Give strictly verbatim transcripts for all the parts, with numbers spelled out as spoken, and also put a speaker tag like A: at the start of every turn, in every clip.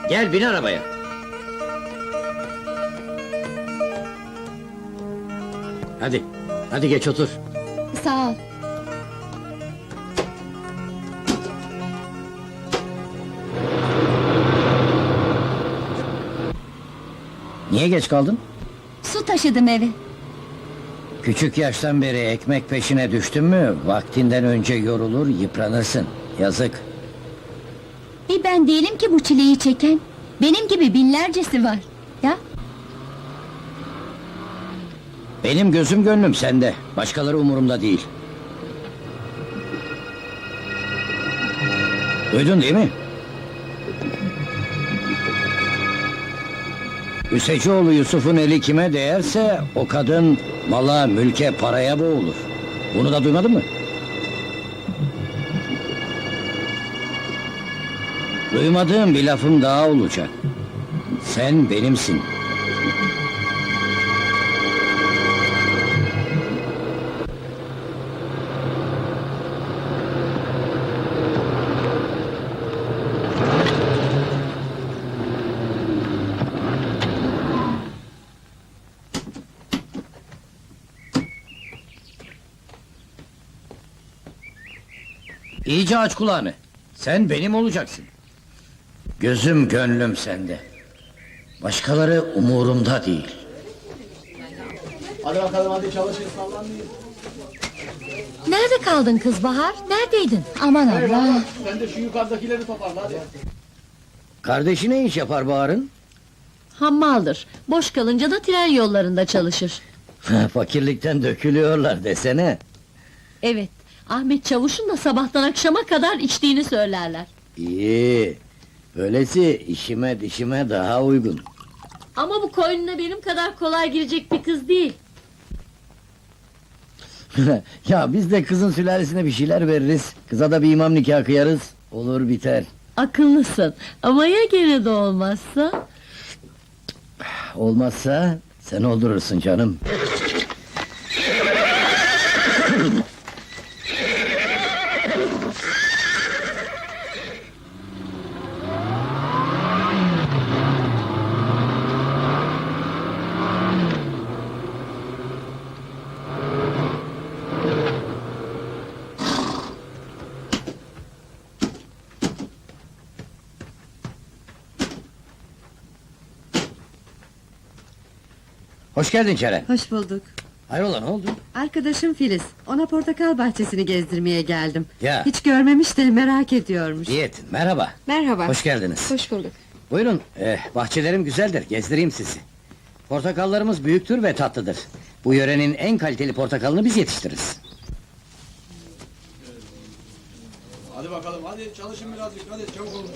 A: Gel bin arabaya. Hadi, hadi geç otur.
B: Sağ ol.
A: Niye geç kaldın?
B: Su taşıdım eve.
A: Küçük yaştan beri ekmek peşine düştün mü, vaktinden önce yorulur, yıpranırsın. Yazık.
B: Bir ben değilim ki bu çileyi çeken. Benim gibi binlercesi var. Ya,
A: Benim gözüm gönlüm sende, başkaları umurumda değil. Duydun değil mi? Üsecioğlu Yusuf'un eli kime değerse, o kadın mala, mülke, paraya boğulur. Bunu da duymadın mı? Duymadığım bir lafım daha olacak. Sen benimsin. İyice aç kulağını. Sen benim olacaksın. Gözüm gönlüm sende. Başkaları umurumda değil.
C: Hadi bakalım, hadi çalışın, sallanmayın.
B: nerede kaldın kız Bahar? Neredeydin? Aman Allah!
C: Sen de şu yukarıdakileri toparla hadi.
A: Kardeşi ne iş yapar Bahar'ın?
D: Hammaldır. Boş kalınca da tren yollarında çalışır.
A: Fakirlikten dökülüyorlar desene.
D: Evet, Ahmet Çavuş'un da sabahtan akşama kadar içtiğini söylerler.
A: İyi. Böylesi işime dişime daha uygun.
D: Ama bu koynuna benim kadar kolay girecek bir kız değil.
A: Ya biz de kızın sülalesine bir şeyler veririz. Kıza da bir imam nikahı kıyarız. Olur biter.
D: Akıllısın, ama ya gene de olmazsa?
A: Olmazsa sen oldurursun canım. Hoş geldin Ceren.
E: Hoş bulduk.
A: Hayrola, ne oldu?
E: Arkadaşım Filiz, ona portakal bahçesini gezdirmeye geldim.
A: Ya.
E: Hiç görmemiş de merak ediyormuş.
A: İyi ettin, merhaba.
E: Merhaba.
A: Hoş geldiniz.
E: Hoş bulduk.
A: Buyurun, eh, bahçelerim güzeldir, gezdireyim sizi. Portakallarımız büyüktür ve tatlıdır. Bu yörenin en kaliteli portakalını biz yetiştiririz.
C: Hadi bakalım, hadi çalışın birazcık, hadi çabuk olun.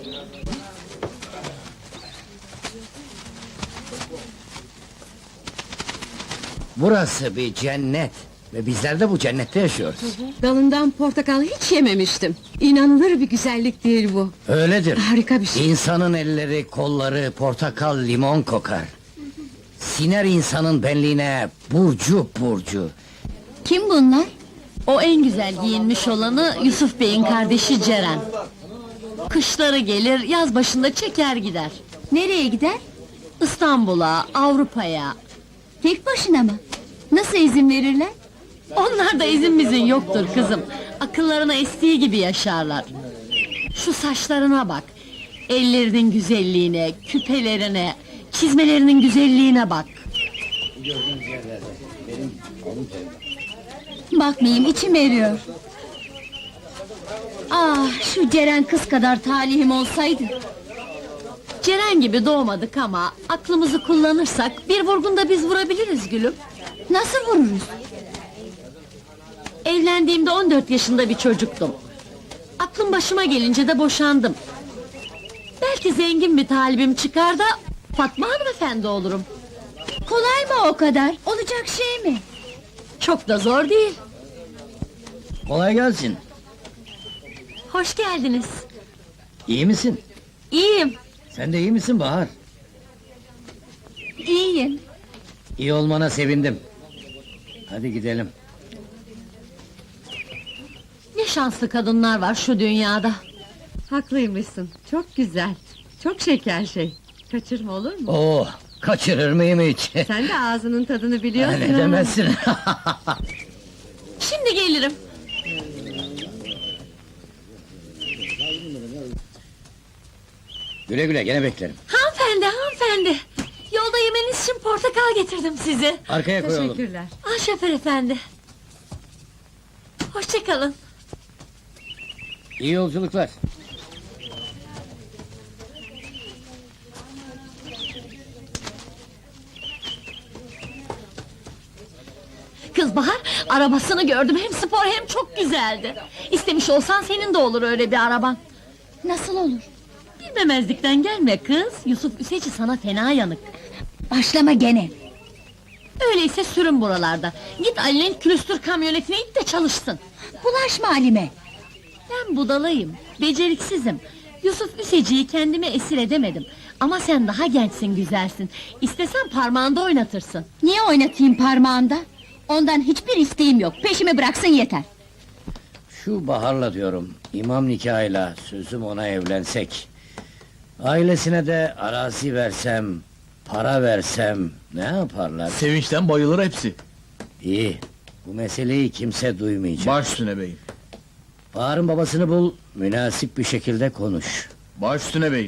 A: Burası bir cennet ve bizler de bu cennette yaşıyoruz.
E: Dalından portakal hiç yememiştim. İnanılır bir güzellik değil bu.
A: Öyledir.
E: Harika bir şey.
A: İnsanın elleri, kolları portakal, limon kokar. Siner insanın benliğine burcu burcu.
B: Kim bunlar?
D: O en güzel giyinmiş olanı Yusuf Bey'in kardeşi Ceren. Kışları gelir, yaz başında çeker gider.
B: Nereye gider?
D: İstanbul'a, Avrupa'ya.
B: Tek başına mı? Nasıl izin verirler?
D: Onlarda izin mizin yoktur kızım. Akıllarına estiği gibi yaşarlar. Şu saçlarına bak. Ellerinin güzelliğine, küpelerine, çizmelerinin güzelliğine bak.
B: Bakmayayım, içim eriyor. Ah, şu Ceren kız kadar talihim olsaydı.
D: Ceren gibi doğmadık ama aklımızı kullanırsak bir vurgunda biz vurabiliriz gülüm.
B: Nasıl vururuz?
D: Evlendiğimde on dört yaşında bir çocuktum. Aklım başıma gelince de boşandım. Belki zengin bir talibim çıkar da Fatma hanımefendi olurum.
B: Kolay mı o kadar? Olacak şey mi?
D: Çok da zor değil.
A: Kolay gelsin.
D: Hoş geldiniz.
A: İyi misin?
D: İyiyim.
A: Sen de iyi misin Bahar?
B: İyiyim.
A: İyi olmana sevindim. Hadi gidelim.
D: Ne şanslı kadınlar var şu dünyada.
E: Haklıymışsın, çok güzel. Çok şeker şey. Kaçırma olur mu?
A: Oo, kaçırır mıyım hiç?
E: Sen de ağzının tadını biliyorsun.
A: Ne
E: ha.
A: demezsin.
D: Şimdi gelirim.
A: Güle güle, gene beklerim.
D: Hanımefendi, hanımefendi. Yolda yemeniz için portakal getirdim size.
A: Arkaya koyalım.
E: Teşekkürler.
D: Ah şoför efendi. Hoşçakalın.
A: İyi yolculuklar.
D: Kız Bahar, arabasını gördüm. Hem spor hem çok güzeldi. İstemiş olsan senin de olur öyle bir araban.
B: Nasıl olur?
D: Bilmemezlikten gelme kız. Yusuf Üseci sana fena yanık.
B: Başlama gene.
D: Öyleyse sürün buralarda. Git Ali'nin külüstür kamyonetine it de çalışsın.
B: Bulaşma Halime.
D: Ben budalayım, beceriksizim. Yusuf Üseci'yi kendime esir edemedim. Ama sen daha gençsin, güzelsin. İstesen parmağında oynatırsın.
B: Niye oynatayım parmağında? Ondan hiçbir isteğim yok. Peşimi bıraksın yeter.
A: Şu Bahar'la diyorum, imam nikahıyla sözüm ona evlensek... Ailesine de arazi versem, para versem, ne yaparlar?
C: Sevinçten bayılır hepsi.
A: İyi, bu meseleyi kimse duymayacak.
C: Baş üstüne beyim.
A: Bahar'ın babasını bul, münasip bir şekilde konuş.
C: Baş üstüne beyim.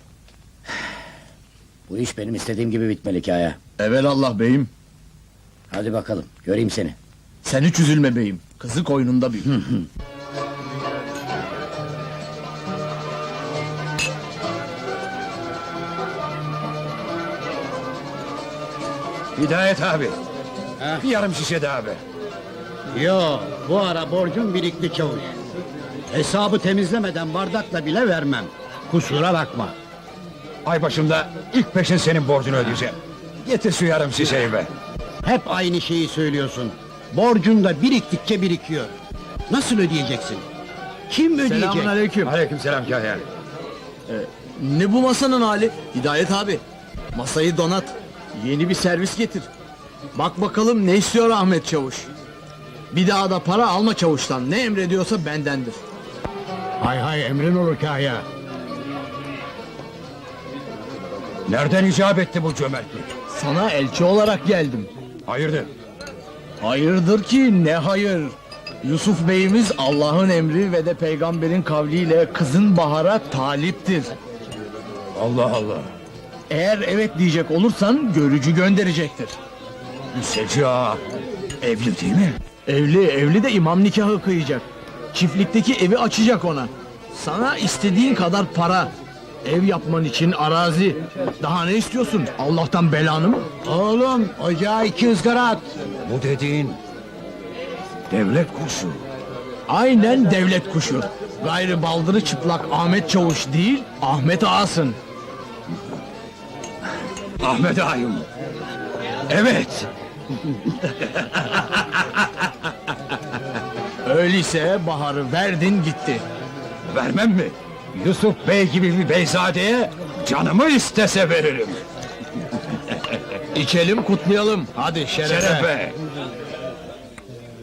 A: Bu iş benim istediğim gibi bitmeli Kaya.
C: Evelallah beyim.
A: Hadi bakalım, göreyim seni.
C: Sen hiç üzülme beyim. Kızı koynunda beyim.
F: Hidayet abi.
A: Ha?
F: Bir yarım şişe de abi.
G: Yo, bu ara borcum birikti çavuş. Hesabı temizlemeden bardakla bile vermem. Kusura bakma.
F: Ay başımda ilk peşin senin borcunu ödeyeceğim. Getir şu yarım şişeyi be.
G: Hep aynı şeyi söylüyorsun. Borcun da biriktikçe birikiyor. Nasıl ödeyeceksin? Kim ödeyecek?
C: Selamun aleyküm.
F: Aleykümselam Kahya.
C: Ne bu masanın hali? Hidayet abi. Masayı donat. Yeni bir servis getir. Bak bakalım ne istiyor Ahmet Çavuş. Bir daha da para alma çavuştan. Ne emrediyorsa bendendir.
G: Hay hay emrin olur Kahya.
F: Nereden icap etti bu cömertlik?
C: Sana elçi olarak geldim.
F: Hayırdır?
C: Hayırdır ki ne hayır? Yusuf Bey'imiz Allah'ın emri ve de peygamberin kavliyle kızın Bahar'a taliptir.
F: Allah Allah.
C: Eğer evet diyecek olursan görücü gönderecektir.
F: Üseci ağa. Evli değil mi?
C: Evli, evli de imam nikahı kıyacak. Çiftlikteki evi açacak ona. Sana istediğin kadar para. Ev yapman için arazi. Daha ne istiyorsun? Allah'tan belanı mı?
G: Oğlum ocağa iki ızgara at.
F: Bu dediğin... Devlet kurşu.
C: Aynen devlet kuşu. Gayrı baldırı çıplak Ahmet Çavuş değil, Ahmet Ağasın.
F: Ahmet ağayım. Evet.
C: Öyleyse Bahar'ı verdin gitti.
F: Vermem mi? Yusuf Bey gibi bir beyzadeye canımı istese veririm.
C: İçelim kutlayalım. Hadi şerefe.
F: Şerefe.